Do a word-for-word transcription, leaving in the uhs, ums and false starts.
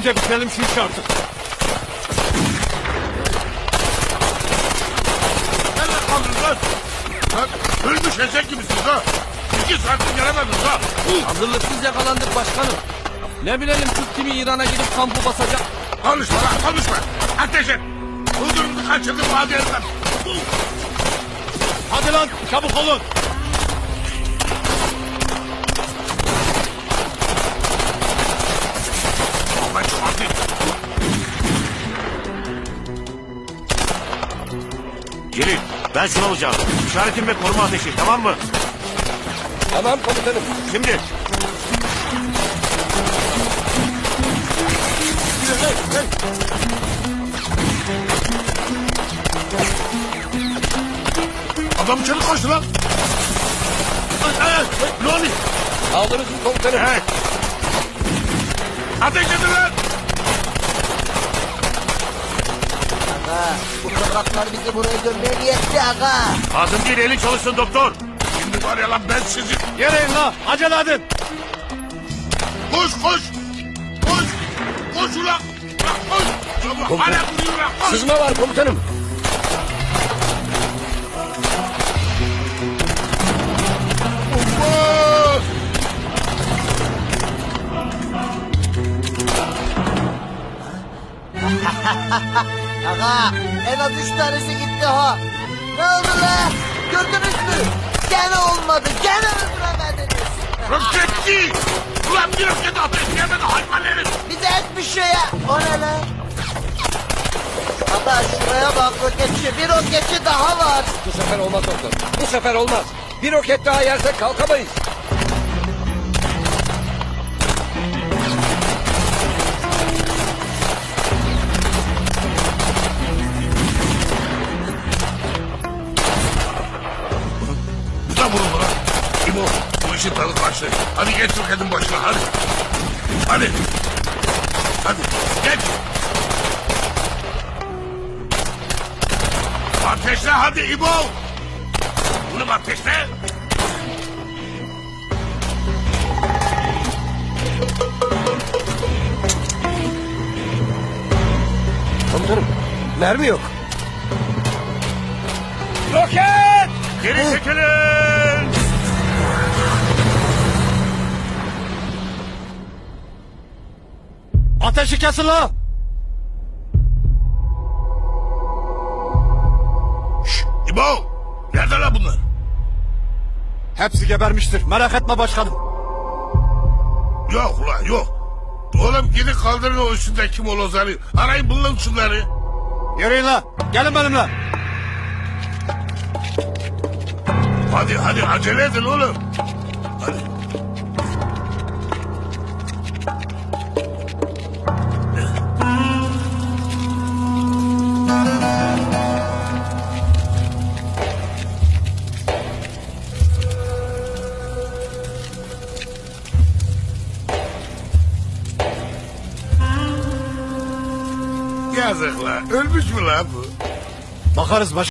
Bize bitirelim şu işi artık. Nerede kaldınız lan? Lan ölmüş eşek gibisiniz ha. İki saattir gelemediniz ha. Hazırlıksız yakalandık başkanım. Ne bilelim Türk kimi İran'a gidip kampı basacak. Konuşma lan konuşma. Ateş et. Huzurumuzu kaçırdık vadi elinden. Hadi lan çabuk olun. Aman çok hadi. Celil, ben şunu alacağım. İşaretim ve koruma ateşi, tamam mı? Tamam komutanım. Şimdi. Adam içeri koştu lan. Ay, ay, ay, ne oluyor? Aldınız mı komutanım? Evet. Ateş edin lan. Aga, bu topraklar bizi buraya gömmeye niyetti aga. Ağzın değil, elin çalışsın doktor. Şimdi var ya lan ben sizi. Yere in la. Acele edin. Koş koş. Koş. Koş ulan. Bak koş. Çabuk hala duruyor lan. Koş. Sızma var komutanım. Koş. Aga, en az üç tanesi gitti ha. Ne oldu la? Gördünüz mü? Gene olmadı, gene öldüremediniz. Roketçi. Ulan bir roket ateş yemedi hayvan herif. Bize etmiş ya. O ne lan? Aga şuraya bak roketçi, bir roketçi daha var. Bu sefer olmaz doktor. Bu sefer olmaz. Bir roket daha yersek kalkamayız. Bu da vuruldu lan. İbo bu işin tadı kaçtı. Hadi geç roketin başına hadi. Hadi. Hadi geç. Ateşle hadi İbo. Bunu ateşle. Komutanım mermi yok. Roket! Geri çekilin! Ateşi kesin la. Şşş İbo. Nerede lan bunlar? Hepsi gebermiştir. Merak etme başkanım. Yok ulan yok. Oğlum gidin kaldırın o üstünde kim olozları. Arayın bulun şunları. Yürüyün la. Gelin benimle. Hadi hadi acele edin oğlum. Hadi. Yazık la. Ölmüş mü la bu? Bakarız başkanım.